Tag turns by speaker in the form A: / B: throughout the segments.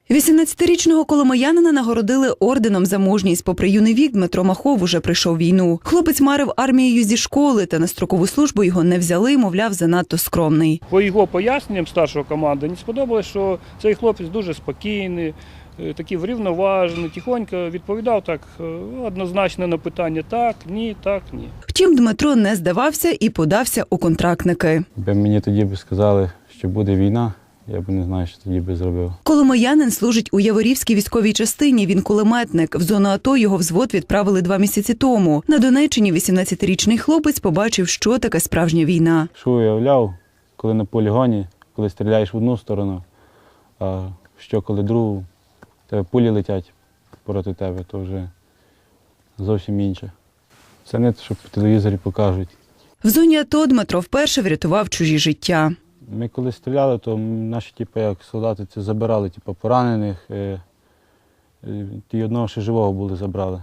A: 18-річного коломиянина нагородили орденом за мужність. Попри юний вік, Дмитро Махов уже прийшов війну. Хлопець марив армією зі школи, та на строкову службу його не взяли, мовляв, занадто скромний.
B: По його поясненням старшого команди не сподобалось, що цей хлопець дуже спокійний, такий врівноважений, тихонько відповідав так однозначно на питання «так, ні, так, ні».
A: Втім, Дмитро не здавався і подався у контрактники.
C: Якби мені тоді б сказали, що буде війна, я б не знаю, що тоді би зробив.
A: Коломиянин служить у Яворівській військовій частині, він кулеметник. В зону АТО його взвод відправили 2 місяці тому. На Донеччині 18-річний хлопець побачив, що таке справжня війна.
C: Що уявляв, коли на полігоні, коли стріляєш в одну сторону, а що коли другу, тебе пулі летять проти тебе, то вже зовсім інше. Це не те, що по телевізорі покажуть.
A: В зоні АТО Дмитро вперше врятував чужі життя.
C: Ми коли стріляли, то наші як солдати це забирали, поранених, ті одного ще живого були забрали,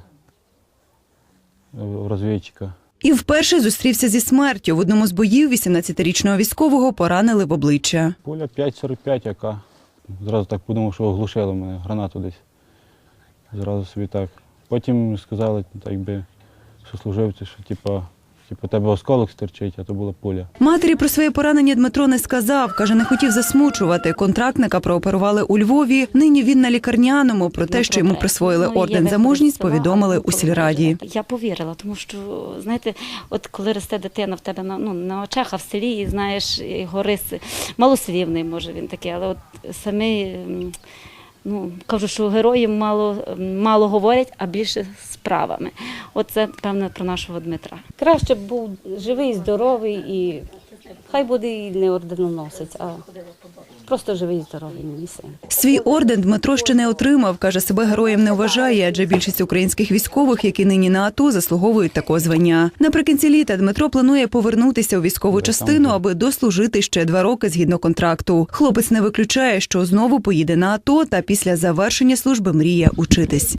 C: розвідчика.
A: І вперше зустрівся зі смертю. В одному з боїв 18-річного військового поранили в обличчя.
C: Пуля 5,45, яка. Зразу так подумав, що оглушило мене, гранату десь. Зразу собі так. Потім сказали, так би, що служивці, що тебе осколок стирчить, а то була пуля.
A: Матері про своє поранення Дмитро не сказав. Каже, не хотів засмучувати. Контрактника прооперували у Львові. Нині він на лікарняному. Про те, що йому присвоїли орден за мужність, повідомили у сільраді.
D: Я повірила, тому що, знаєте, от коли росте дитина в тебе на очах, а в селі, і знаєш, його риси, малослівний, може він такий, але от самі, кажу, що герої мало говорять, а більше справами. Оце, певно, про нашого Дмитра.
E: Краще б був живий, здоровий і хай буде і не орденоносець, а просто живий, здоровий мій син.
A: Свій орден Дмитро ще не отримав. Каже, себе героєм не вважає, адже більшість українських військових, які нині на АТО, заслуговують такого звання. Наприкінці літа Дмитро планує повернутися у військову частину, аби дослужити ще 2 роки згідно контракту. Хлопець не виключає, що знову поїде на АТО та після завершення служби мріє учитись.